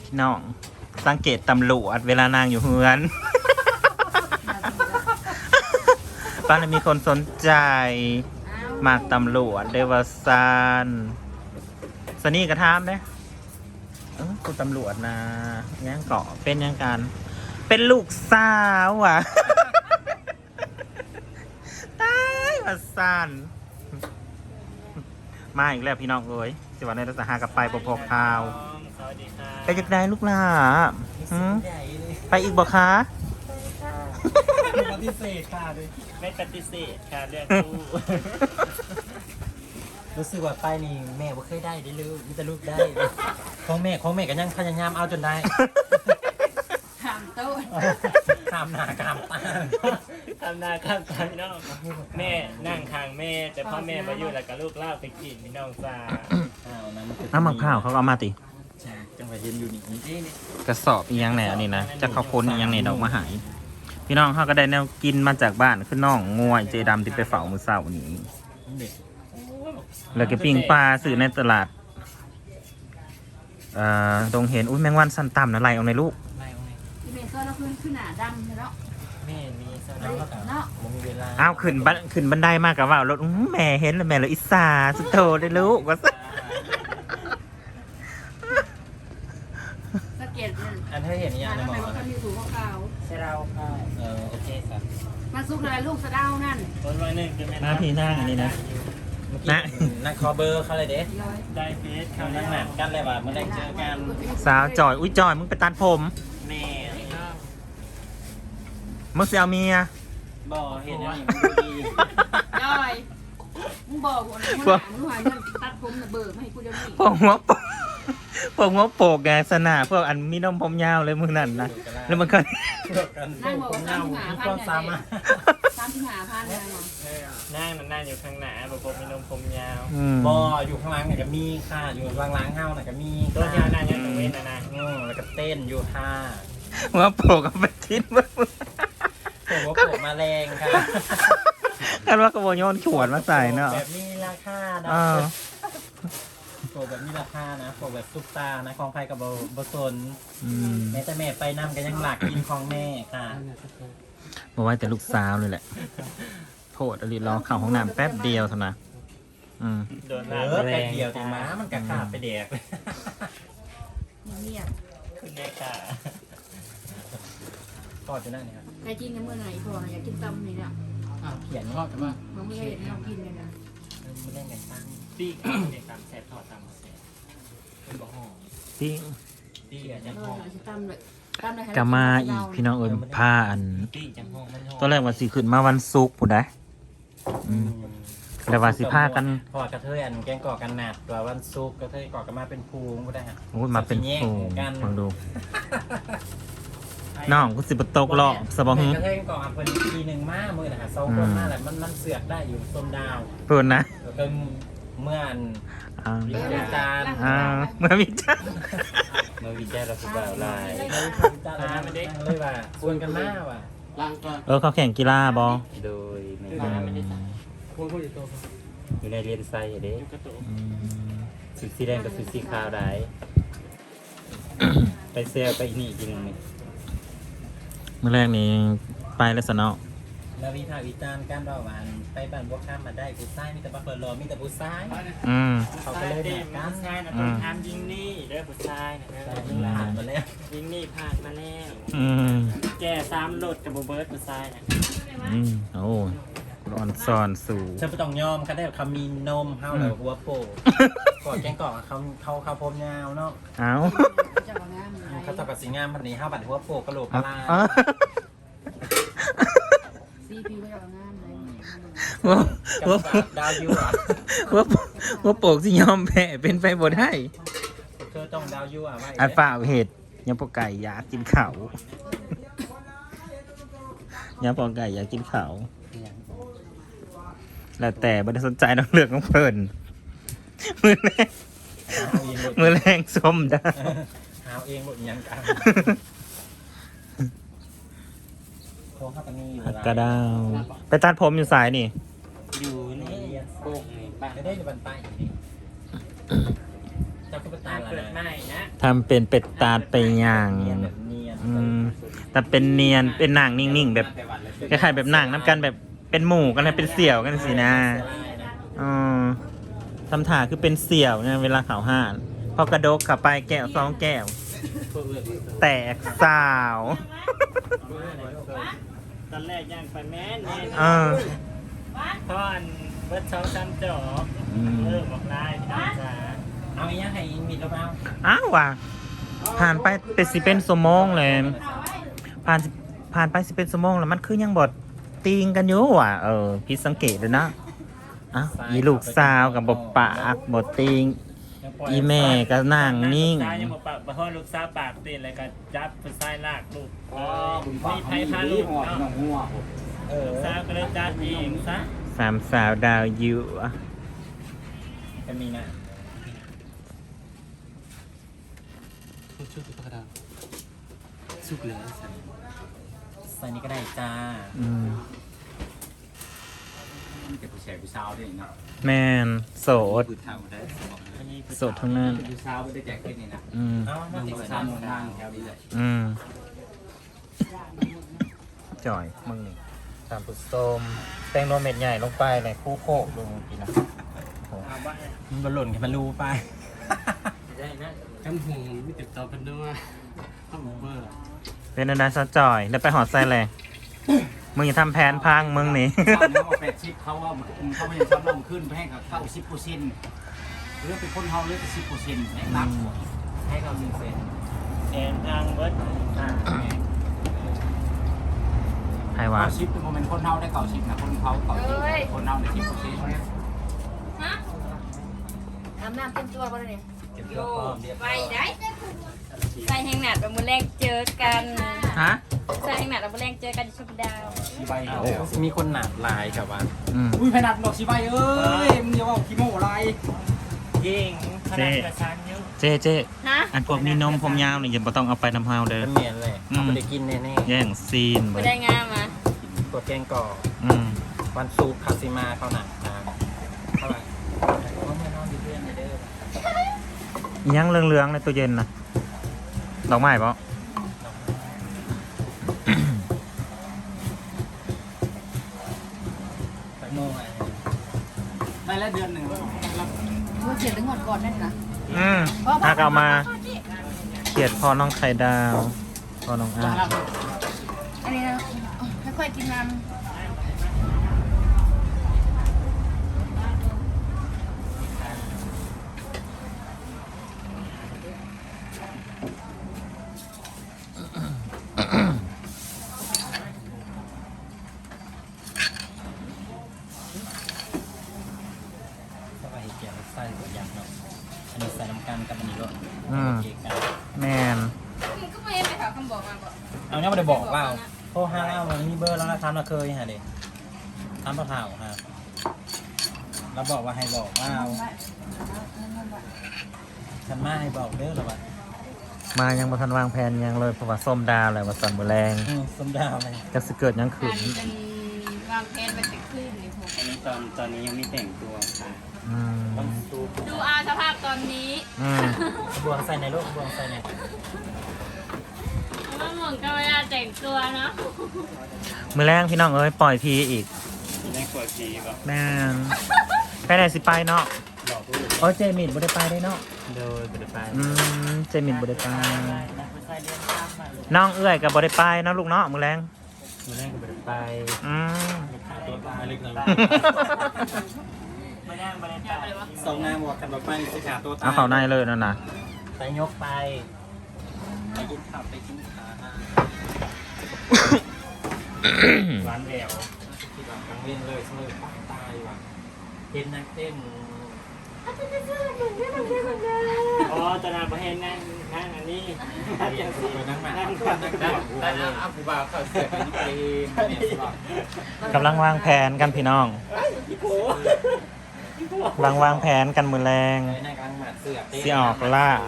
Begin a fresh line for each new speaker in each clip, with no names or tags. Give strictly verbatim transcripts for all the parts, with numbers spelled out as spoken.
พี่น้องสังเกตตำรวจเวลานางอยู่เฮือนป้าเลยมีคนสนใจมากตำรวจเดวซานสนี่กระทามเด้เออคุณตำรวจนะย่างเกาะเป็นยังกันเป็นลูกสาวอ่ะ ตายมาซานมาอีกแล้วพี่น้องเอ้ยสิวันนี้เราจะหากับไปปพอข่าวไปจากไหนลูกล่ะหืมไปอีกบ่คะ
ปฏิเสธค่ะด้วย
ไม่ปฏิเสธค่ะเรื่องคู่
รู้สึกว่าไปนี่แม่บ่เคยได้ได้ลูกมีแต่ลูกได้ของแม่ของแม่ก็ยังพยายามเอาจนได้
ถามโต๊ะ
ข้ามหน้าข้ามตา
ทำนาข้ามตาพี่น้องแม่นั่งทางแม่แต่พ่อแม่มาอยู่แล้วก็ลูกเล่าไปกินพี่น้องจ้า
อ้าวนั้นคือ
น้ำมะพร้าวเขาก็เอามาติ
จังหวะเห็นอยู่นี่นี่นี่
กระสอบอีหยังแหน่อันนี้นะจะเขาค้นอีหยังแหน่ดอกมาหายพี่น้องเขาก็ได้แนวกินมาจากบ้านคือน้องงวยเจดำที่ไปเฝ้ามือเศร้านี้
เด็ก
แล้วก็ปิ้งปลาซื้อในตลาดเอ่อตรงเห็นอุ้ยแมงวันสันต่ำนะไรเอาในลูก
ไม่เอาไง
ที่เมย์ก็เราขึ้นขึ้นหนาดำเนาะ
แม่มีสนามกับ
เนาะ
ผมมีเวลา
อ้าวขึ้นบันขึ้นบันไดมากกับว่ารถอื้อแม่เห็นแล้วแม่เลยอิสาสุดโตได้ลูกว่าซะ
สะเก็ดเนี่ย
อันเธอเห็นยัง
ทำ
หม
ไม
อ
ว่าเขามีถูกขาว
ใช่เราค่ะ
เออโอเคครับ
มันซุกอะไรลูกสะเดานั่น
คนวันหนึ่งจะเป็น
หน้าพี่หน้าอันนี้นะ
เมื่อกี้นั่งคอเบอร์เขาเลยเด้
ย้อย
ได้เฟส
เขา
เขา
นั่
นั่
ง
ง
ห
ห
นั
นั
ก
ก
กันเลยว่าเมื่อได้เจอกัน
สาวจอยอุ้ยจอยมึงไปตัดผม
แม่
มึงเสียเมีย
บ่เห็นอย่างนี้ดี
ย้อยมึงบอกกูนะมึงหามึงหาเงินตัดผมน่ะเบิกมาให้กูเดี๋ยวนี้
พวกหัวโปกพวกหัวโปกไงสนาพวกอันมีนมผมยาวเลยมึงนั่นนะแล้วมันก็
นั่งบอกว่าสามสิบห้าพัน
ความ
เนี่ย
สามารถ
สามสิบห้าพันเนี่ยเนาะ
นั่งนั่งอยู่ข้างหน้าบอกผมมีนมผมยาว
อืม
บ่อยู่ข้างหล่างน่ะก็มีค่ะอยู่ข้างหล่างเฮาน่ะก็มี
ตัวที่นั่งอยู่ตรงนี้นะนะ
อืมแล้วก็เต้นอยู่ค่ะ
หัวโปกเอาไปทิ้งมึง
ผมว่าผมมาแรงค่ะ
กันว่ากระโบโยนขวดมาใส่เนาะ
แบบมีราคานะ
อ้าว
ผมแบบมีราคานะผมแบบซุปตานะของใครกับบ่บ่สน
อืม
แม้แต่แม่ไปนำก็ยังหลักกินของแม่ค่ะ
บอกว่าแต่ลูกสาวเลยแหละโทษอลิรอเข้าห้องน้ำแป๊บเดียวเท่านั้นอืม
โดน
เอ
ลาก
อ
แร
แต่
ง
เดียวแต่หม้ามันกะขาดไปแดกเลย
เงียบ
คุณแม่ค่ะ
ก็จะนั่นเนี่ยครับ
ใครจริงกันเมื่อไหร่พออยากกินตำนี่เนี่ย
อ้าวเขียนก็แต่ว่า
มันไม่เห็นเรากินเลยนะ
ไม่เล่นกันตั้ง
ปีกในตามแสบทอดตามแสบเป็นบ่อหอม
พี่
ตีกันยัง
เอ
ห้
อ
อง
จะตำเลยตำเลย
กามาอีกพี่น้องเอิญผ้าอัน
ปีกจังห้องมันหอม
ตอนแรกว่าสิขึ้นมาวันศุกร์ผู้ใดอืมแล้วว่าสิพากัน
พอกระเทยอันแกงก่อกันหนัดตัววันซุกกระเทยก่อกันมาเป็นภูมิก็ได้ฮะ
โอ้ยมาเป็น
แย่ง
โอ้
กัน
ฟังดูน้องกูสิบตกหลอกสบอง
กระเทยก่อกันเพิ่นทีหนึ่งมามือนะฮะสองคนมาแหละมันมันเสือกได้อยู่ส้มดาว
เปิดนะ
แล้วก็เมื่ออัน
อ่า
วิจารณ์
อ่าเมื่อมีจ้า
เมื่อวิจารณ์เราสุดาวลายเมื่อวิจารณ์มันได้เลยว่าชวนกันมาว่ะ
เออเขาแข่งกีฬาบอ
โดยใน
อื
บ้าน
ม
อยู่ในเรียนไซเด้
กระตุก
อืม
สุดสีแดงกับสุดสีขาวได้ ไปเซลไปอีนี่อีกทีหนึงนี่
เมื่อแรกนี้ไปแล้วสนอ
แล้ววิพากษ์วิจารณ์การว่าหวานไปบ้านบวกข้ามมาได้ผู้ชายมีแต่บักเรอมีแต่ผู้ชาย
อืม
เขาก็เลย
ดี
แบบ
มั
กัน น
ใช่นะต้องทำยิงนี่เด้อผู้ชายนะ
ใช่ยิงหลานมาแล้ว
ยิงนี่ผ่านมาแล้ว
อืม
แกสามโหลดกับโบเบิร์ตผู้ชายนะ
อืมโอ้ยร้อนซอนสู่
ฉันไม่ต้องยอมเขาได้เขามีนมเฮาเลยหัวโปกกอดแกงกอกเขาเขาเขาพรมยาวเนาะ
เอา
จะเอางามอะไร
เขาตอบกับสีงามพันนี้ห้าบัตรหัวโปกกระโหลกก
เอา
ระลา
เอา
ซีพีก็จะเอางามเลย
หัวหัว
กับดาวยูอ่ะ
หัวหัวโปกสิยอมแพ้เป็นไปบ่ได้
เธอต้องดาวยูอ่ะว่า
อันฝ่าเหตุยังปอไก่อยากกินเขายังปอไก่อยากกินเขาแล้วแต่ไม่ได้สนใจน้องเลือกของเพิ่นมือแรงมือแรงส้มดา
หาเองหมดยังกันโค้งข้าตานีอยู่
กระดาว ไปตัดผมอยู่สายนี่
อยู่นี่โป่งนี่บ้าน
จะได้จะบันไปนี่เจ้าก็ไปตา
ตาย
ละ
เปิด
นะ
ไม่นะ
ทำเป็นเป็ดตาดไปย่าง
เนียนแบบเนียน
อืมแต่เป็นเนียนเป็นนางนิ่งๆแบบคล้ายๆแบบนางน้ำกันแบบเป็นหมู่กันนะเป็นเสี่ยวกันสินะอ๋อทำถ่าคือเป็นเสี่ยวเนี่ยเวลาเขาห่านพอกระดกเข้าไปแก้วสองแก้ว แตกสาว
ตอนแรกย่างไปแม่นนี่
เออ
พ่ออันเบิดสองสามจอก
อืม
เออบอกลายพี่น้องจ๋า
เอาอีกอย่างให้มีแล้วเปล่า
อ้าวว่ะผ่านไปเป็นสิเป็นสมองเลยผ่านสิผ่านไปสิเป็นสมองแล้วมันคือยังบดตีงกันอยู่ว่ะเออพี่สังเกตเลยนะอ้าวอีลูกสาวกับบปากบดตีง อีแม่ก็นั่งนิ่ง
ลูกชายยังบอกปากบ่ฮอดลูกสาวปากตีนเลยก็จับผู้ชายลากลูกเอ้ยมีไผพาลูกเนาะ
เออ
ลูกสาวก็เลยจัดเองซะ
สามสาวดาวยูอ่ะ
จะมีนะ
สุกแล้ว
ใส่นี้ก็ได้จ้า
อืม
เก็บผู้แชร์ผู้สาวได้เนาะ
แมนโสด
ผู้เฒ่าได้บอกเลย
โสดทั้งนั้น
ผู้สาวไม่ได้แจกขึ้นนี่นะ
อืม
เอามา
ผู้
ติด
สา
ตาว ม
นางแถวนี้เลย
อืมจ่อยมึงนี่สามปุส้มแตงโมเม็ดใหญ่ลงไปเลยคู่โคกดูกินนะ
เอาบ้าน
มันบอลหล่นให้มันรู้ไป
ได้นะ
จำหูไม่ติดต่อกันด้วยข้าวหมูเบอร์
เป็นอะไรซะจ่อยแล้วไปหอดใส่เลยมึงอย่าทำแผนพังมึงนี่
ตอนนี้ว่าแปดชิปเขาว่าเขาไม่ได้ชอบลงขึ้นแพงกับเข้าสิบเปอร์เซ็นต์เลือกเป็นคนเฮาเลือกสิบเปอร์เซ็นต์แพงนักให้เขาหนึ่งเซน
แอนทางเบิดอ่า
ใครวะ
เก้าชิปเป็นโมเมนต์คนเฮาได้เก้าชิปนะคนเขาเก้าชิปคนเฮาได้สิบเปอร์เซ็นต์
ฮะอาบน้ำเต็มตัวบ่ได้เนี่ย
เก็บตัวพร้อมเรียบ
ไป
ร้อย
ได้ใส่แหงหนัดแบบมือแรกเจอกัน
ฮะ
ใส่แหงหนัดแบบมือแรกเจอกันที่ชุบดาว
ชีใบ
เอามีคนหนาบลายชาวบ้าน
อืม
อุ้ยพนัดดอกชีใบเอ้ยมึงอย่าว่าขี้โม่อะไร
ยิงขนาดกระชันอยุ่
เจ๊เจ๊
ฮะ
อันพวกมีนมผมยาวนี่อย่าบ่ต้องเอาไปน้ำเฮาเด้อ
มันเนียนเลย
อืม
เอาไปได้กินแน่
แย่งซีน
ไป
เว้ย
ได้งามมา
ๆตัวแกงก่อ
อืม
วันซุกคาซิมาเขาหนักตามเท่าไหร่เขาไม่นอนดีเพื่อนเด้อ
อิหยังเหลืองๆในตู้เย็นนะดอกไม้ปะ
ไปโม่ไง
ได้แล้วเดือนหนึ่ง
ว่าเขียนถึงหมดก่อนนั่นนะ
อืมถ้าเอามาเขียดพอน้องไข่ดาวพอน้องอา
อันนี้นะค่อยๆกินน้ำ
สบายเกี่ยวใส่ตัวอย่างเนาะอันนี้ใส่น้ำกันกับอันนี้ด้วย
อืม
เกี่ยวกัน
แมน
ก็ไม่ไปถามคำบอกมาบอก
เอาเนี่ยไม่ได้บอกว่าโทรห้าเล่ามันมีเบอร์แล้วนะทำเราเคยฮะเด็กทำเปล่าๆฮะเราบอกว่าให้บอกว่าฉันมาให้บอกเด้อหรอวะ
มายังบ่ทันวางแผนหยังเลยเพราะว่าส้มดาวเลยว่าสันบุแรง
อืมสมดาวเลย
จะสิเกิดหยังขึ้น
เป็นวางแผนไปถึงขึ้นนี่ผม
อันนี้ตอนตอนนี้ยังไม่แต่งตัวค่ะ
อืม
ต้องซูป
ดูอาสภาพตอนนี้
อืม
บวงใส่ในโลกบวงใส่ใน
มันเหมือนกับเวลาแต่งตัวเนาะ
มือแรงพี่น้องเอ้ยปล่อยพีอีก
มีแรงกว่าสีป่ะ
แม่นไปไหนสิไปเนาะ
หลอกลูก
โอ้ยเจมิดบ่ได้ไปได้เนาะ
โดยบริไป
อืมเจมิดบ่ได้ไป
ผู้ชายเรียนตามมาลูก
น้องเอื้อยกับบ่ได้ไปเนาะลูกเนาะมือแรง
มาแรงกับบริไป
อืม
ขาตัวตายเล็กน้อยมาแรงบริไป
สองนางบอกกันบอกไปสิขาตัวตาย
เอาเข้าในเลยนั่นน่ะ
ไปยกไป
ไปกินข้าวไปกินขา
หวานแหวว
ที่หลังกังเวียนเลยเสมอปากตายว่ะเต้นนักเต้น
อ๋อตอนนั้นประเทศนั่งนั่งอันนี้
ไปนั่งมา
นั่ง
นั่ง
นั่ง
นั่งอัพบาร์เขาเสร็จเป็นเพลงเนี่ยสิบอก
กำลังวางแผนกันพี่น้อง
พี่โผ
กำลังวางแผนกันมือแรง
เลยนั่งกลางหมัดเสือกเต้น
สิออกล่า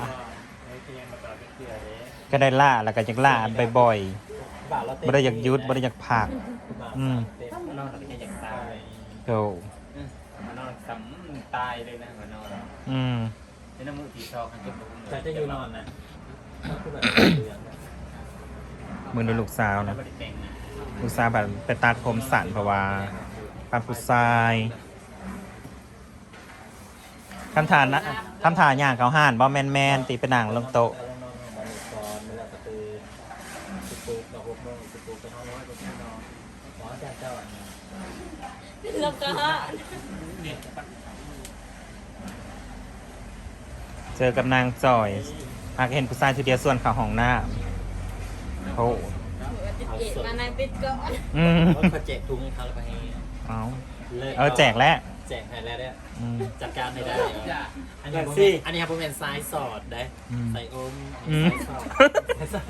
ก็ได้ล่าแล้วก็จะล่าบ่อย
บ่าวเรา
ๆ
เต้น
บ่ได้อยากหยุดบ่ได้อยากผัก อืม
เต้นนอนเราไม่ใช่อยากตาย
โธ่
มานอนสำตายเลยนะมานอน
อืม
นี่น้ำมือผีชอบกันจน
แต่จะอยู่นอนนะ
เ
มือดูลูกสาวนะลูกสาวแบบไปตัดผมสั้นเพราะว่าปานผู้ชายคำถามนะคำถามอย่างเขาห่านบอแมนแมนตีเป็นหนังลงโต๊ะ
แล้วก็
เจอกับนางจอยหากเห็นผู้ชายทีเดียวส่วนเขาห้องหน้าโอ้
เอ็ดมานายปิดก่อน
อืม
เขาแจกทุงให้เขาแล้วไปให้
เอาเออแจกแล้ว
แจกให้แล้วเนี่ย
อืม
จัดการให้ได้อันนี้ผมอันนี้ครับผมเป็นซ้ายสอดได้
อืม
ใส่อม
อืม
ซ้ายสอดซ้ายสอด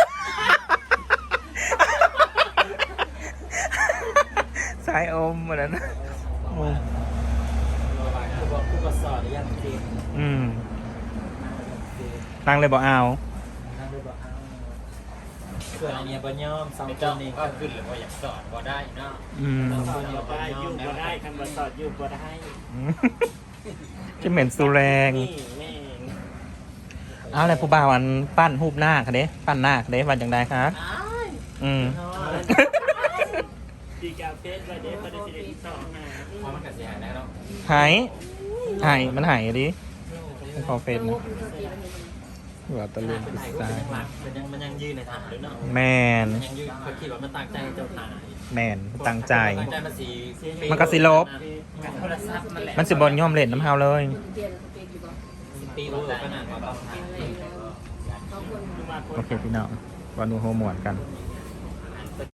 สายอมเหมือนนั้นนะอืม
คือบอกคู่กับสอดยังจริง
อืมนั่งเลยบอกเอา
นั่งด้วยบอกเอาส่วนอันนี้บะย่อมสอง
ไม่
ค
ต้อน ง
นี้
ก็ขึ้นหรือว่าอยากสอนก็ได้เนาะ
อืม
สอนก็ได้ยุ่งก็ได้คำว่าสอนยุ่งก็ได้
ที่เหม็นสุแรง
นี่แม่
เอาอะไรผู้บ่าวอันปั้นหูบหน้าค่ะเด้ปั้นหน้าค่ะเด้วันอย่างไรคะอืม
ดีกาเฟสวันนี้ประเด็นที่สองนะ
เพราะมันกระเสียหายแน่เนาะ
หายหายมันหายดิไม่ขอเฟซนะว่าตะลุม
เป็น
กุ
ไทยก็
ศา
เป็นยังหลักมันยังมันยังยืนในฐานด้วยเนาะ
แมน
มันยังยืนเขาคิดว่ามันตั้งใจเจ้าถ่าย
แมนตั้งใจ
ตั้งใจมันสี
มันก็สิลบ
โทรศัพท์มันแหละ
มันสิบนย่อมเล่นน้ำเฮาเลย
เดียนเขาเป็นอยู่บ่
ปีรู้ขนาดว่าต้องถ่าย
เขาคน
โอเคพี่น้องวันนูโฮหมวนกัน
เ